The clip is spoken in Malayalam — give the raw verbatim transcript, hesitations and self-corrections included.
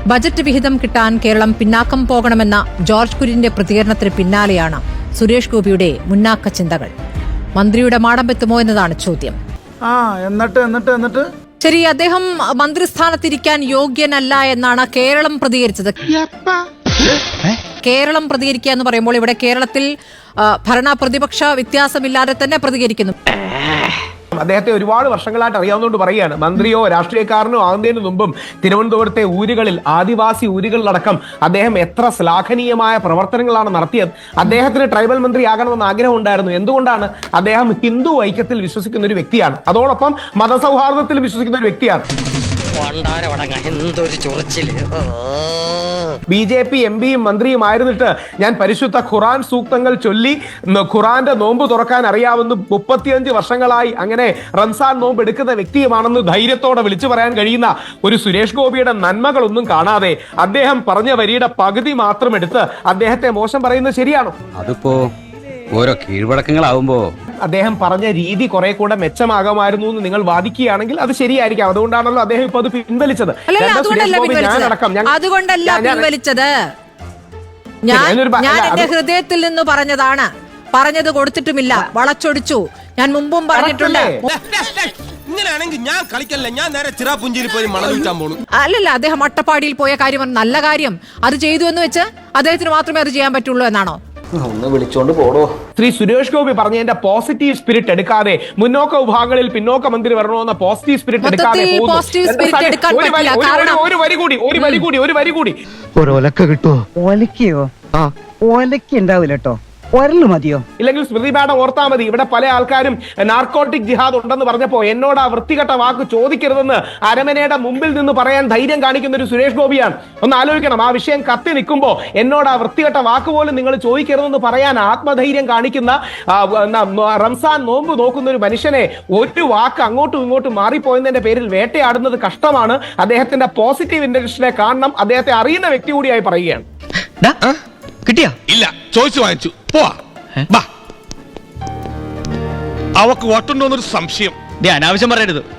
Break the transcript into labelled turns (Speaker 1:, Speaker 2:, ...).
Speaker 1: ബജറ്റ് വിഹിതം കിട്ടാൻ കേരളം പിന്നാക്കം പോകണമെന്ന ജോർജ് കുര്യന്റെ പ്രതികരണത്തിന് പിന്നാലെയാണ് സുരേഷ് ഗോപിയുടെ മുന്നാക്ക ചിന്തകൾ. മന്ത്രിയുടെ മാടമ്പെത്തുമോ എന്നതാണ് ചോദ്യം.
Speaker 2: ആ എന്നിട്ട് എന്നിട്ട് എന്നിട്ട്
Speaker 1: ശരി, അദ്ദേഹം മന്ത്രിസ്ഥാനത്തിരിക്കാൻ യോഗ്യനല്ല എന്നാണ് കേരളം പ്രതികരിച്ചത്. കേരളം പ്രതികരിക്കുക എന്ന് പറയുമ്പോൾ ഇവിടെ കേരളത്തിൽ ഭരണ പ്രതിപക്ഷ വ്യത്യാസമില്ലാതെ തന്നെ പ്രതികരിക്കുന്നു.
Speaker 3: അദ്ദേഹത്തെ ഒരുപാട് വർഷങ്ങളായിട്ട് അറിയാവുന്നതുകൊണ്ട് പറയുകയാണ്, മന്ത്രിയോ രാഷ്ട്രീയക്കാരനോ ആകുന്നതിന് മുമ്പും തിരുവനന്തപുരത്തെ ഊരുകളിൽ, ആദിവാസി ഊരുകളിലടക്കം അദ്ദേഹം എത്ര ശ്ലാഘനീയമായ പ്രവർത്തനങ്ങളാണ് നടത്തിയത്. അദ്ദേഹത്തിന് ട്രൈബൽ മന്ത്രി ആകണമെന്ന് ആഗ്രഹം ഉണ്ടായിരുന്നു. എന്തുകൊണ്ടാണ്? അദ്ദേഹം ഹിന്ദു ഐക്യത്തിൽ വിശ്വസിക്കുന്ന ഒരു വ്യക്തിയാണ്, അതോടൊപ്പം മതസൗഹാർദ്ദത്തിൽ വിശ്വസിക്കുന്ന ഒരു വ്യക്തിയാണ്. ബി ജെ പി എം പിയും മന്ത്രിയുമായിരുന്നിട്ട് ഞാൻ പരിശുദ്ധ ഖുറാൻ സൂക്തങ്ങൾ ചൊല്ലി ഖുറാന്റെ നോമ്പ് തുറക്കാൻ അറിയാവുന്ന മുപ്പത്തിയഞ്ച് വർഷങ്ങളായി അങ്ങനെ റംസാൻ നോമ്പ് എടുക്കുന്ന വ്യക്തിയുമാണെന്ന് ധൈര്യത്തോടെ വിളിച്ചു പറയാൻ കഴിയുന്ന ഒരു സുരേഷ് ഗോപിയുടെ നന്മകളൊന്നും കാണാതെ അദ്ദേഹം പറഞ്ഞ വരിയുടെ പകുതി മാത്രം എടുത്ത് അദ്ദേഹത്തെ മോശം പറയുന്നത് ശരിയാണോ?
Speaker 4: അതിപ്പോ ഓരോ കീഴ്വഴക്കങ്ങളാവുമ്പോ
Speaker 3: അദ്ദേഹം പറഞ്ഞ രീതി കുറെ കൂടെ മെച്ചമാകുമായിരുന്നു എന്ന് നിങ്ങൾ വാദിക്കുകയാണെങ്കിൽ അത് ശരിയായിരിക്കാം. അതുകൊണ്ടാണല്ലോ അദ്ദേഹം ഇപ്പൊ അത് പിൻവലിച്ചത്.
Speaker 1: അതുകൊണ്ടല്ല പിൻവലിച്ചത്. ഞാൻ ഞാൻ എന്റെ ഹൃദയത്തിൽ നിന്ന് പറഞ്ഞതാണ്. പറഞ്ഞത് കൊടുത്തിട്ടുമില്ല, വളച്ചൊടിച്ചു. ഞാൻ മുമ്പും പറഞ്ഞിട്ടുണ്ട്. അല്ലല്ല, അദ്ദേഹം അട്ടപ്പാടിയിൽ പോയ കാര്യം നല്ല കാര്യം. അത് ചെയ്തു എന്ന് വെച്ച് അദ്ദേഹത്തിന് മാത്രമേ അത് ചെയ്യാൻ പറ്റുള്ളൂ എന്നാണോ?
Speaker 5: ഒന്ന് വിളിച്ചോണ്ട് പോടോ.
Speaker 3: ശ്രീ സുരേഷ് ഗോപി പറഞ്ഞതിന്റെ പോസിറ്റീവ് സ്പിരിറ്റ് എടുക്കാതെ മുന്നോക്ക വിഭാഗങ്ങളിൽ പിന്നോക്ക മന്ത്രി വരണമെന്ന പോസിറ്റീവ് സ്പിരിറ്റ് എടുക്കാതെ ഒരു വരി കൂടി ഒരു വരി കൂടി ഒരു വരി കൂടി
Speaker 6: ഒരു ഒലക്ക കിട്ടുമോ? ഒലക്കയോ? ആ ഒലക്ക ഉണ്ടാവില്ല കേട്ടോ, ഒരല് മതിയോ?
Speaker 3: ഇല്ലെങ്കിൽ സ്മൃതി മാഡം ഓർത്താ മതി, ഇവിടെ പല ആൾക്കാരും നാർക്കോട്ടിക് ജിഹാദ് ഉണ്ടെന്ന് പറഞ്ഞപ്പോ എന്നോട് ആ വൃത്തികെട്ട വാക്ക് ചോദിക്കരുതെന്ന് അരമനയുടെ മുമ്പിൽ നിന്ന് പറയാൻ ധൈര്യം കാണിക്കുന്ന ഒരു സുരേഷ് ഗോപിയാണ്. ഒന്ന് ആലോചിക്കണം, ആ വിഷയം കത്തി നിൽക്കുമ്പോ എന്നോട് ആ വൃത്തികെട്ട വാക്ക് പോലും നിങ്ങൾ ചോദിക്കരുതെന്ന് പറയാൻ ആത്മധൈര്യം കാണിക്കുന്ന റംസാൻ നോമ്പ് നോക്കുന്ന ഒരു മനുഷ്യനെ ഒരു വാക്ക് അങ്ങോട്ടും ഇങ്ങോട്ടും മാറിപ്പോയതിന്റെ പേരിൽ വേട്ടയാടുന്നത് കഷ്ടമാണ്. അദ്ദേഹത്തിന്റെ പോസിറ്റീവ് ഇന്റൻഷനെ കാണണം. അദ്ദേഹത്തെ അറിയുന്ന വ്യക്തി കൂടിയായി പറയുകയാണ്.
Speaker 7: കിട്ടിയാ? ഇല്ല, ചോദിച്ചു വാങ്ങിച്ചു. പോവാ. അവക്ക് വോട്ടുണ്ടോന്നൊരു സംശയം.
Speaker 4: അനാവശ്യം പറയരുത്.